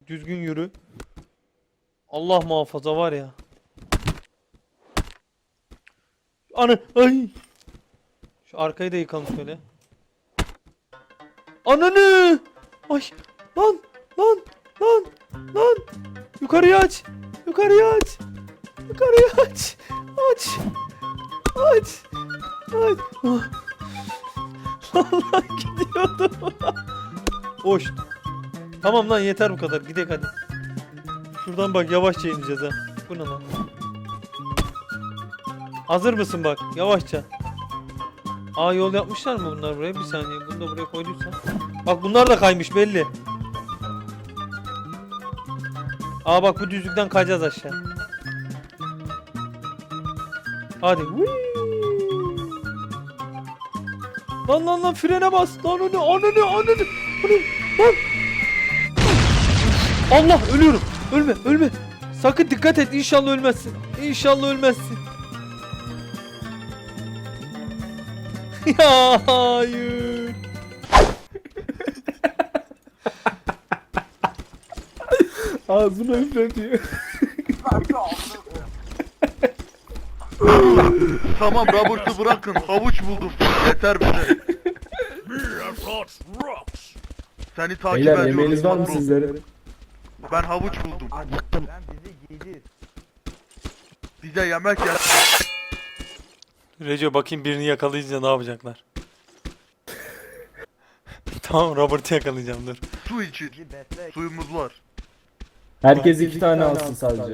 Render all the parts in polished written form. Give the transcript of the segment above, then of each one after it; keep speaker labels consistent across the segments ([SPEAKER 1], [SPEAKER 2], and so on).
[SPEAKER 1] düzgün yürü. Allah muhafaza var ya. Ay. Şu arkayı da yıkalım şöyle. Ananı! Ay! Lan! Lan! Lan! Lan! Yukarıya aç! Yukarıya aç! Yukarıya aç! Aç! Aç! Aç! Allah gidiyordum. Hoş. Tamam lan yeter bu kadar. Gidelim hadi. Şuradan bak yavaşça ineceğiz ha. Bu ne lan? Hazır mısın bak? Yavaşça. Aa yol yapmışlar mı bunlar buraya? Bir saniye. Bunu da buraya koyduysan. Bak bunlar da kaymış belli. Aa bak bu düzlükten kayacağız aşağı. Hadi. Lan frene bas. Lan onu. Lan. Allah ölüyorum. Ölme. Sakın dikkat et. İnşallah ölmezsin. İnşallah ölmezsin. Ya hayır.
[SPEAKER 2] Ağzına üfletiyor.
[SPEAKER 3] Tamam Robert'ı bırakın. Havuç buldum. Yeter bize. Seni takip
[SPEAKER 2] Beyler
[SPEAKER 3] ediyorum.
[SPEAKER 2] yemeğiniz var mı
[SPEAKER 3] patron.
[SPEAKER 2] sizlere?
[SPEAKER 3] Ben havuç buldum. Bize yemek gel.
[SPEAKER 1] Recep bakayım birini yakalayınca ne yapacaklar? Tamam Robert'ı yakalayacağım dur.
[SPEAKER 3] Su için. Suyumuz var.
[SPEAKER 2] Herkes 2 tane alsın sadece.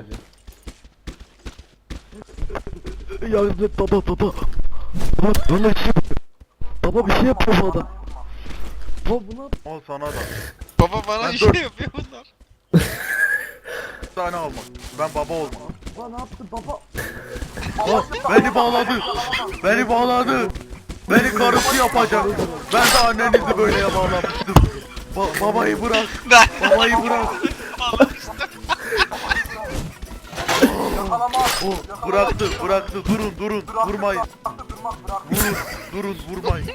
[SPEAKER 3] Ya baba. Baba bir şey yapıyor bu adam. Baba buna... Al sana da.
[SPEAKER 4] Baba bana
[SPEAKER 3] Ben
[SPEAKER 4] şey
[SPEAKER 3] dört-
[SPEAKER 4] yapıyor bunlar.
[SPEAKER 3] Bir tane alma. Ben baba olmam. Baba ne yaptı baba? Beni bağladı. Beni karısı yapacak. Ben de annenizi böyle bağlamıştım. Babayı bırak. Babayı bırak. Bıraktı. Durun. Vurmayın. Durun, vurmayın.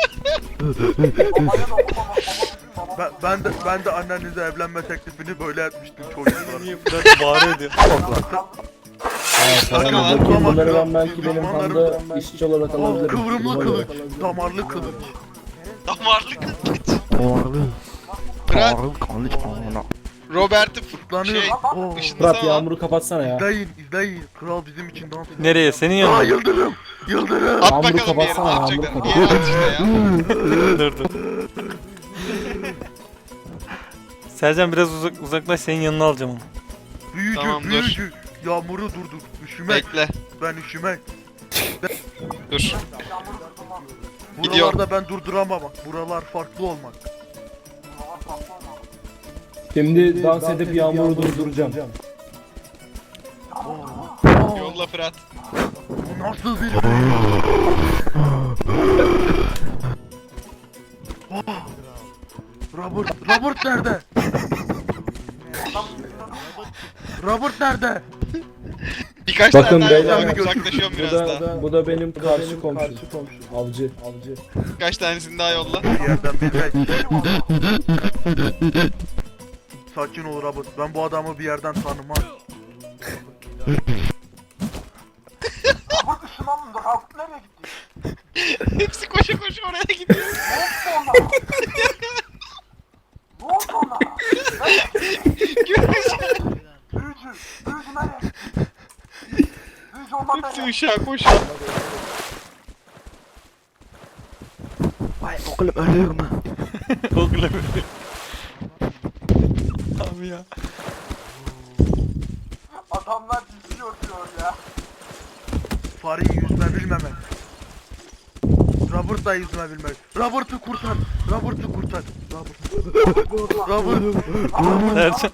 [SPEAKER 3] Ben de annenize evlenme teklifini böyle etmiştim çocuklar.
[SPEAKER 1] Niye Fırat bağırıyor diyor.
[SPEAKER 2] Tamam
[SPEAKER 4] Tamam,
[SPEAKER 2] bakayım bunları ben
[SPEAKER 3] Siz
[SPEAKER 2] belki benim
[SPEAKER 3] düşmanlarım-
[SPEAKER 2] hamda işçi olarak alabilirim.
[SPEAKER 3] Kıvrımlı
[SPEAKER 2] Buna
[SPEAKER 3] kılıç.
[SPEAKER 2] göre.
[SPEAKER 3] Damarlı kılıç.
[SPEAKER 4] Damarlı kılıç.
[SPEAKER 5] Doğru.
[SPEAKER 4] Fırat,
[SPEAKER 5] Doğru konuş ona.
[SPEAKER 4] Robert'ı
[SPEAKER 3] Islanıyor.
[SPEAKER 4] şey
[SPEAKER 3] Oo.
[SPEAKER 4] ışınlasana.
[SPEAKER 2] Fırat yağmuru kapatsana ya.
[SPEAKER 3] İzleyin. Kral bizim için dans ediyor.
[SPEAKER 1] Nereye? Senin
[SPEAKER 3] Aa
[SPEAKER 1] yanına.
[SPEAKER 3] yıldırım.
[SPEAKER 4] At
[SPEAKER 2] Yağmuru
[SPEAKER 4] bakalım bir yerine,
[SPEAKER 2] kapatsana,
[SPEAKER 4] ne
[SPEAKER 2] yağmuru
[SPEAKER 4] yapacaklar?
[SPEAKER 2] kapat.
[SPEAKER 4] Bir yere at işte ya.
[SPEAKER 1] Dur. Sercan biraz uzaklaş senin yanına alacağım onu.
[SPEAKER 3] Büyücü,
[SPEAKER 4] Tamam, dur.
[SPEAKER 3] büyücü. Yağmuru durdur. Üşümek.
[SPEAKER 4] Bekle.
[SPEAKER 3] Ben üşümek.
[SPEAKER 4] Dur.
[SPEAKER 3] Buralarda ben durduramam. Buralar farklı olmak.
[SPEAKER 2] Şimdi dans edip yağmuru durduracağım.
[SPEAKER 4] Yolla Fırat.
[SPEAKER 3] Bu nasıl bir... Oh! Robert nerede? Robert nerede?
[SPEAKER 4] Birkaç
[SPEAKER 2] Bakın
[SPEAKER 4] tane
[SPEAKER 2] beyler,
[SPEAKER 4] daha
[SPEAKER 3] ben
[SPEAKER 4] uzaklaşıyorum biraz daha.
[SPEAKER 2] Bu da benim karşı komşum. Avcı.
[SPEAKER 4] Birkaç tanesini daha yolla.
[SPEAKER 3] Bir yerden bir Sakin ol Robert. Ben bu adamı bir yerden tanımam.
[SPEAKER 4] Hepsi koşa koşa oraya gidiyor. Göreceğim. Hepsi uşağa koşuyor.
[SPEAKER 5] Vay oğlum ölüyorum ha.
[SPEAKER 1] Google Abi ya.
[SPEAKER 6] Adamlar yüzüyor diyor ya.
[SPEAKER 3] Fareyi yüzme bilmemek. Robert da yüzme bilmek. Robert'ı kurtar. Robert.
[SPEAKER 1] Sercan.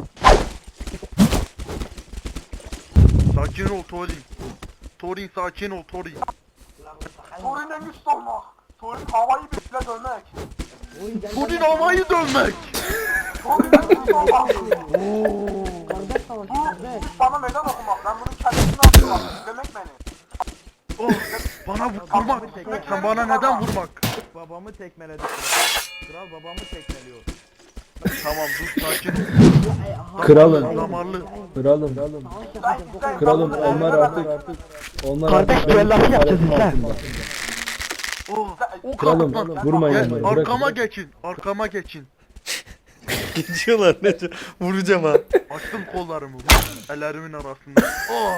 [SPEAKER 3] Sakin ol Torin. Sakin ol Torin.
[SPEAKER 6] Torin'e güçlü olmak. Torin havayı bükle dönmek.
[SPEAKER 3] Torin havayı dönmek.
[SPEAKER 6] Torin'e güçlü olmak. Bu bana meydan okumak. Ben bunun kendisini atmak. Demek beni.
[SPEAKER 3] Oh, bana vurmak. Sen bana neden vurmak?
[SPEAKER 7] Babamı tekmeledi kral. Kral babamı tekmeliyor.
[SPEAKER 3] Tamam dur sakin ol.
[SPEAKER 2] Kralım.
[SPEAKER 3] Damarlı.
[SPEAKER 2] Kralım. Kralım onlar artık
[SPEAKER 5] Kardeş,
[SPEAKER 2] benim
[SPEAKER 5] böyle laf yapacağız
[SPEAKER 2] kefaletim
[SPEAKER 5] işte.
[SPEAKER 2] altında.
[SPEAKER 3] O
[SPEAKER 2] Kralım
[SPEAKER 3] kadar.
[SPEAKER 2] vurmayın
[SPEAKER 3] Gel
[SPEAKER 2] onları.
[SPEAKER 3] arkama
[SPEAKER 2] Bırakın.
[SPEAKER 3] geçin. Arkama geçin.
[SPEAKER 1] Geçiyorlar Neco. Vuracağım ha.
[SPEAKER 3] Açtım kollarımı. Ellerimin arasında. Oh.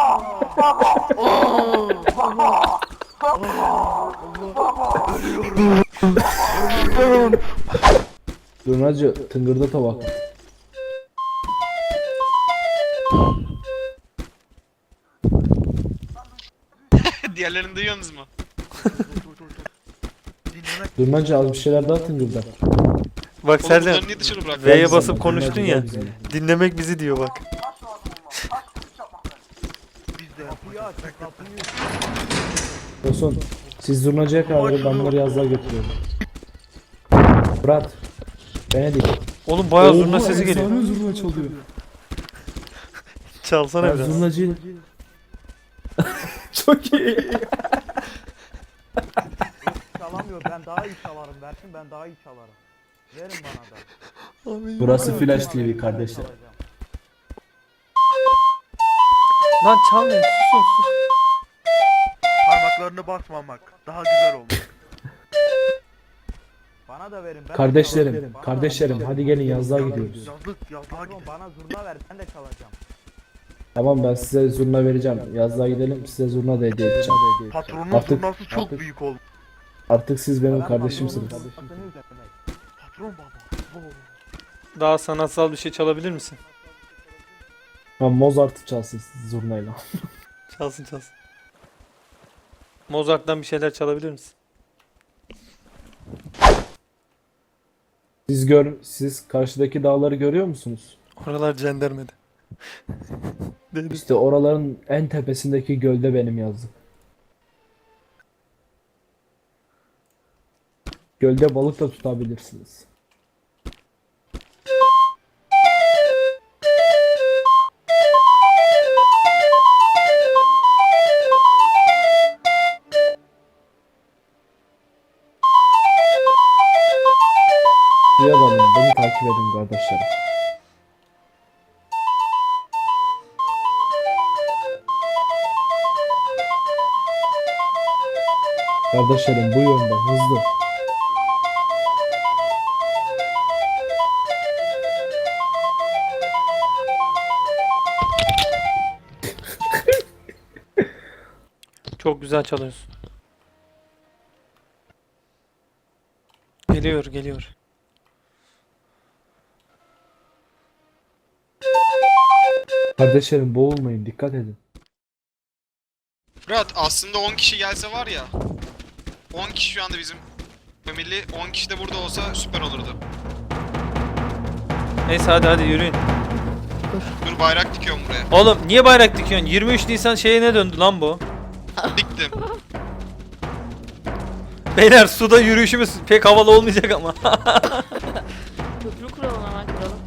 [SPEAKER 2] Zurnacı tıngırda tabak.
[SPEAKER 4] Diğerlerini duyuyorsunuz mu?
[SPEAKER 3] Dinlemek
[SPEAKER 2] Zurnacı az bir şeyler daha tıngırda.
[SPEAKER 1] Bak
[SPEAKER 4] Oğlum
[SPEAKER 1] Sercan
[SPEAKER 4] bunları niye dışarı bırak?
[SPEAKER 1] V'ye
[SPEAKER 2] Gel
[SPEAKER 1] basıp
[SPEAKER 2] bizimle,
[SPEAKER 1] konuştun
[SPEAKER 2] Zurnacı,
[SPEAKER 1] ya.
[SPEAKER 2] gel bizimle.
[SPEAKER 1] Dinlemek bizi diyor bak.
[SPEAKER 3] biz de yapacağız.
[SPEAKER 2] Tosun siz zurnacıya karar verin, ben bunları yazlığa götürüyorum. Fırat. Venedik.
[SPEAKER 1] Oğlum bayağı zurna sesi geliyor.
[SPEAKER 2] Zurna çalıyor.
[SPEAKER 1] Çalsana
[SPEAKER 2] Ben
[SPEAKER 1] biraz.
[SPEAKER 2] zurnacı. Çok iyi.
[SPEAKER 7] Çalamıyor. Ben daha iyi çalarım. Versin ben daha iyi çalarım. Verin bana da.
[SPEAKER 2] Burası Flash TV kardeşler.
[SPEAKER 1] Lan çalmayın susun sus.
[SPEAKER 3] Parmaklarını basmamak. Daha güzel olmuş.
[SPEAKER 7] Bana da verin. Ben de
[SPEAKER 2] Kardeşlerim,
[SPEAKER 7] çalarım. Bana
[SPEAKER 2] kardeşlerim
[SPEAKER 7] da-
[SPEAKER 2] hadi gelin yazlığa gidiyoruz.
[SPEAKER 3] Yazlığa
[SPEAKER 7] Patron
[SPEAKER 3] gidelim.
[SPEAKER 7] bana zurna ver. Ben de çalacağım.
[SPEAKER 2] Tamam ben size zurna vereceğim. Yazlığa gidelim size zurna da hediye edeceğim.
[SPEAKER 3] Patronun
[SPEAKER 2] Artık-
[SPEAKER 3] zurnası çok
[SPEAKER 2] artık-
[SPEAKER 3] büyük oldu.
[SPEAKER 2] Artık siz benim
[SPEAKER 7] Ben
[SPEAKER 2] kardeşimsiniz.
[SPEAKER 7] patronun zurnasını demek.
[SPEAKER 3] Patron baba.
[SPEAKER 1] Daha sanatsal bir şey çalabilir misin?
[SPEAKER 2] Ha Mozart'ı çalsın zurnayla.
[SPEAKER 1] Çalsın çalsın. Mozart'tan bir şeyler çalabilir misin?
[SPEAKER 2] Siz karşıdaki dağları görüyor musunuz?
[SPEAKER 1] Oralar cendermedi. Dedim.
[SPEAKER 2] İşte oraların en tepesindeki gölde benim yazlık. Gölde balık da tutabilirsiniz. Suya dalın, beni takip edin kardeşlerim. Kardeşlerim bu yönde hızlı.
[SPEAKER 1] Çok güzel çalıyorsun. Geliyor geliyor.
[SPEAKER 2] Kardeşlerim boğulmayın, dikkat edin.
[SPEAKER 4] Murat aslında 10 kişi gelse var ya. 10 kişi şu anda bizim family. 10 kişi de burada olsa süper olurdu.
[SPEAKER 1] Neyse hadi yürüyün.
[SPEAKER 4] Dur bayrak dikiyorum buraya.
[SPEAKER 1] Oğlum niye bayrak dikiyorsun? 23 Nisan şeye ne döndü lan bu?
[SPEAKER 4] Diktim.
[SPEAKER 1] Beyler suda yürüyüşümüz pek havalı olmayacak ama.
[SPEAKER 8] Köprü kuralım hemen kuralım.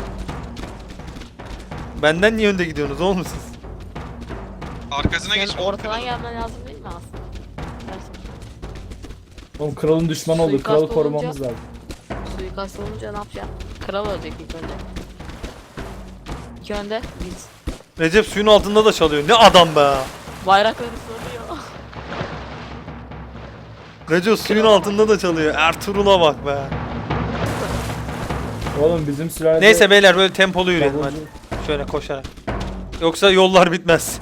[SPEAKER 1] Benden niye önde gidiyorsunuz oğlum siz?
[SPEAKER 4] Arkasına geç.
[SPEAKER 8] Senin ortadan gelmen lazım değil mi aslında? Dersin.
[SPEAKER 2] Oğlum kralın düşmanı oldu,
[SPEAKER 8] Suikast
[SPEAKER 2] kralı korumamız
[SPEAKER 8] olunca-
[SPEAKER 2] lazım.
[SPEAKER 8] Suikast olunca ne yapacaksın? Kral ölecek ilk önce. İlk önde biz.
[SPEAKER 1] Recep suyun altında da çalıyor. Ne adam be.
[SPEAKER 8] Bayrakları sarıyor.
[SPEAKER 1] Recep suyun altında da çalıyor. Ertuğrul'a bak be.
[SPEAKER 2] Oğlum bizim sülalede...
[SPEAKER 1] Neyse beyler böyle tempolu yürüyelim hadi.
[SPEAKER 2] davulcu-
[SPEAKER 1] Şöyle koşarak. Yoksa yollar bitmez.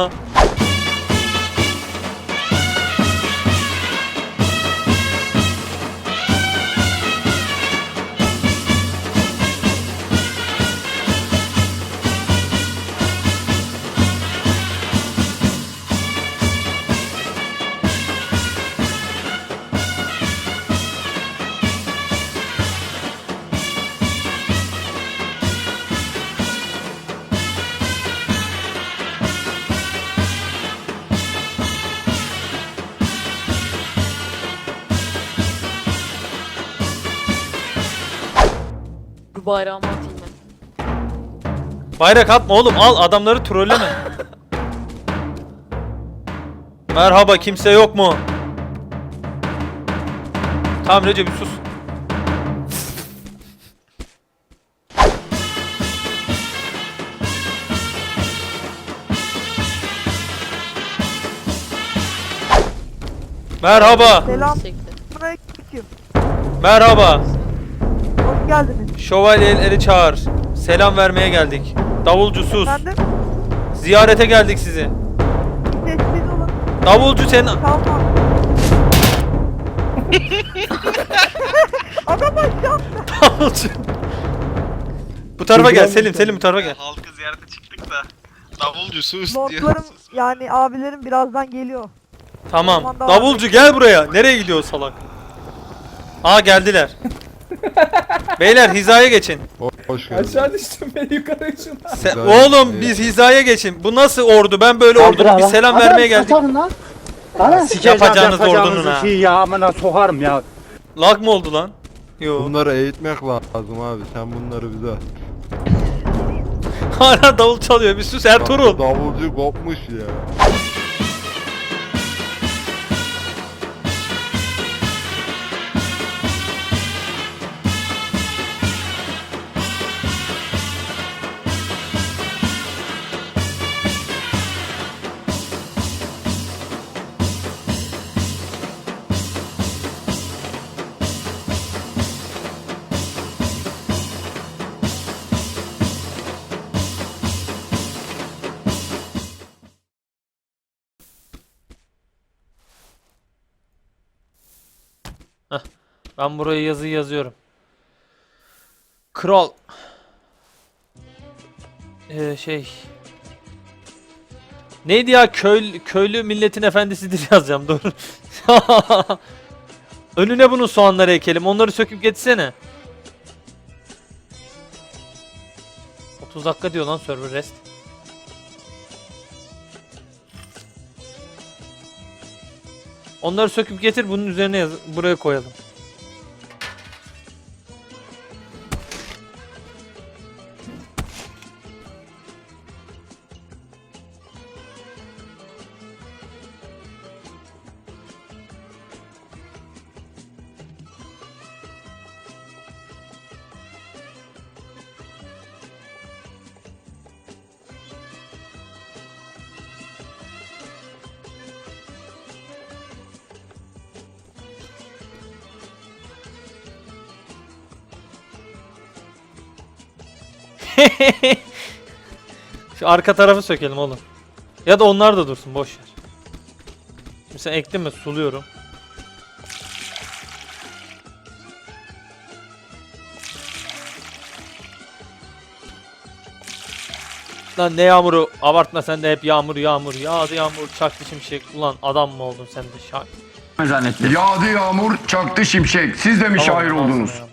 [SPEAKER 8] Bu bayrağımı atayım ben.
[SPEAKER 1] Bayrak atma oğlum al adamları trolleme. Merhaba kimse yok mu? Tamam Recep bir sus. Merhaba.
[SPEAKER 8] Sekti.
[SPEAKER 1] Merhaba.
[SPEAKER 9] Hoş geldiniz.
[SPEAKER 1] Şövalyeleri çağır. Selam vermeye geldik. Davulcu sus.
[SPEAKER 9] Efendim?
[SPEAKER 1] Ziyarete geldik sizi.
[SPEAKER 9] Sessiz olun.
[SPEAKER 1] Davulcu sen...
[SPEAKER 9] Tamam. Adam aşağı.
[SPEAKER 1] Davulcu. Bu tarafa gel Selim. Selim bu tarafa gel.
[SPEAKER 4] Halkı ziyarete çıktık da. Davulcu sus
[SPEAKER 9] Notlarım yani abilerim birazdan geliyor.
[SPEAKER 1] Tamam.
[SPEAKER 9] Aman da
[SPEAKER 1] Davulcu gel buraya. Nereye gidiyor salak? Aa geldiler. Beyler hizaya geçin.
[SPEAKER 3] Hoş geldin.
[SPEAKER 2] Aşağı düştüm ben yukarı ışınlandım.
[SPEAKER 1] Oğlum biz hizaya geçin. Bu nasıl ordu? Ben böyle ordunun bir selam vermeye geldik. Yapacağınız ordunun ha.
[SPEAKER 7] ya amına sokarım ya.
[SPEAKER 1] Lag mı oldu lan? Yo.
[SPEAKER 3] Bunları eğitmek lazım abi. Sen bunları bize.
[SPEAKER 1] Hala davul çalıyor. Bir sus Ertuğrul.
[SPEAKER 3] Davulcu kopmuş ya.
[SPEAKER 1] Ben buraya yazıyı yazıyorum. Kral. Neydi ya köylü milletin efendisidir yazacağım dur. Önüne bunun soğanları ekelim. Onları söküp getirsene. 30 dakika diyor lan server rest. Onları söküp getir bunun üzerine buraya koyalım. Şu arka tarafı sökelim oğlum. Ya da onlar da dursun boş ver. Mesela ektim mi suluyorum. Lan ne yağmuru abartma sen de hep yağmur yağdı yağmur çaktı şimşek ulan adam mı oldun sen de şair.
[SPEAKER 10] Yağdı yağmur, çaktı şimşek. Siz de mi şair
[SPEAKER 1] Tamam,
[SPEAKER 10] oldunuz?
[SPEAKER 1] ağzına yağmur.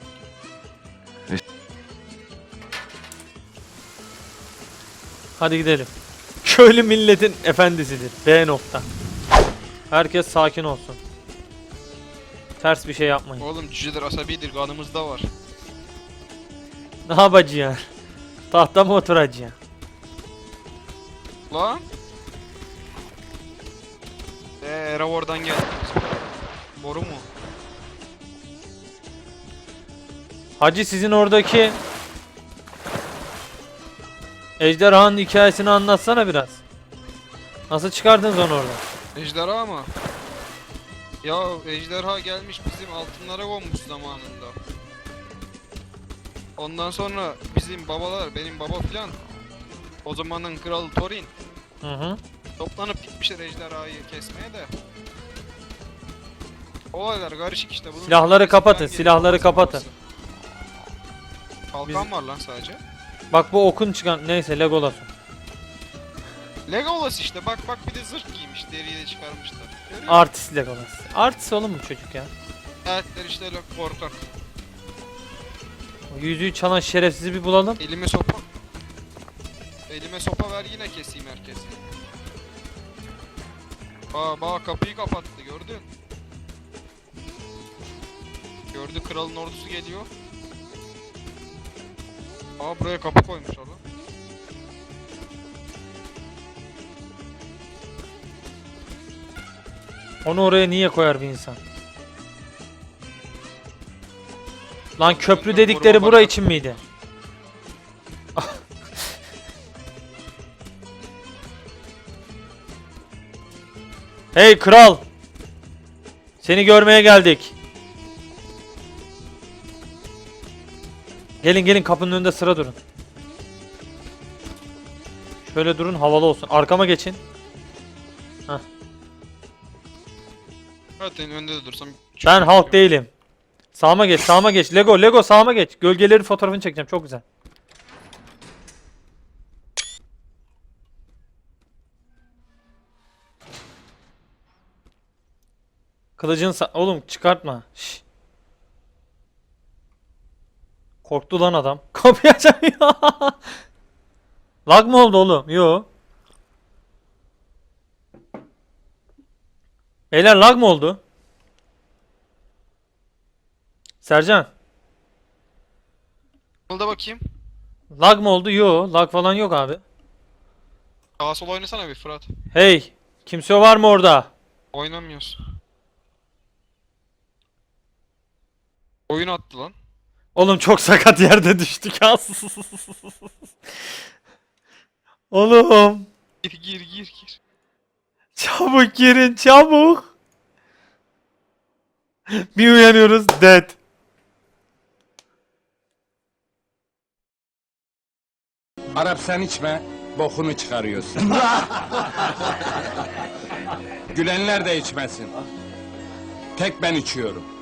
[SPEAKER 1] Hadi gidelim. Köylü milletin efendisidir. B nokta. Herkes sakin olsun. Ters bir şey yapmayın.
[SPEAKER 4] Oğlum cüceler asabidir, kanımızda var.
[SPEAKER 1] Ne yapacaksın? Tahta mı oturacaksın?
[SPEAKER 4] Lan. Eravor'dan geldi. Boru mu?
[SPEAKER 1] Hacı sizin oradaki ejderhanın hikayesini anlatsana biraz. Nasıl çıkardınız onu oradan?
[SPEAKER 4] Ejderha mı? Ya ejderha gelmiş bizim altınlara konmuş zamanında. Ondan sonra bizim babalar, benim baba filan, o zamanın kralı Thorin
[SPEAKER 1] Hı.
[SPEAKER 4] toplanıp gitmişler ejderhayı kesmeye de. Olaylar karışık işte. Bunun
[SPEAKER 1] Silahları
[SPEAKER 4] arkasından
[SPEAKER 1] kapatın,
[SPEAKER 4] geliyor,
[SPEAKER 1] silahları
[SPEAKER 4] babası
[SPEAKER 1] kapatın.
[SPEAKER 4] babası. Kalkan var lan sadece.
[SPEAKER 1] Bak bu okun çıkan neyse Legolas.
[SPEAKER 4] Legolas işte bak bir de zırh giymiş, deriyi de çıkarmışlar. Görüyor musun?
[SPEAKER 1] Artist Legolas. Artist oğlum bu çocuk ya.
[SPEAKER 4] Elfler işte öyle korkak.
[SPEAKER 1] O yüzüğü çalan şerefsizi bir bulalım.
[SPEAKER 4] Elime sopa. Elime sopa ver yine keseyim herkesi. Bak kapıyı kapattı gördün. Gördü kralın ordusu geliyor. Buraya kapı koymuş oğlum.
[SPEAKER 1] Onu oraya niye koyar bir insan? Lan köprü dedikleri bura için miydi? Hey kral! Seni görmeye geldik. Gelin gelin, kapının önünde sıra durun. Şöyle durun, havalı olsun. Arkama geçin.
[SPEAKER 4] Zaten önde de dursam.
[SPEAKER 1] Ben halk değilim. Sağıma geç, sağıma geç. Lego, Lego sağıma geç. Gölgeleri fotoğrafını çekeceğim. Çok güzel. Oğlum çıkartma. Şş. Korktu lan adam. Kapıyı açamıyor. Lag mı oldu oğlum? Yo. Beyler lag mı oldu? Sercan.
[SPEAKER 4] Yolda bakayım.
[SPEAKER 1] Lag mı oldu? Yo. Lag falan yok abi.
[SPEAKER 4] Sağa sola oynasana bir Fırat.
[SPEAKER 1] Hey. Kimse var mı orada?
[SPEAKER 4] Oynamıyoruz. Oyun attı lan.
[SPEAKER 1] Oğlum çok sakat yerde düştük. Oğlum.
[SPEAKER 4] Gir.
[SPEAKER 1] Çabuk girin, çabuk. Bir uyanıyoruz, dead.
[SPEAKER 10] Arap sen içme, bokunu çıkarıyorsun. Gülenler de içmesin. Tek ben içiyorum.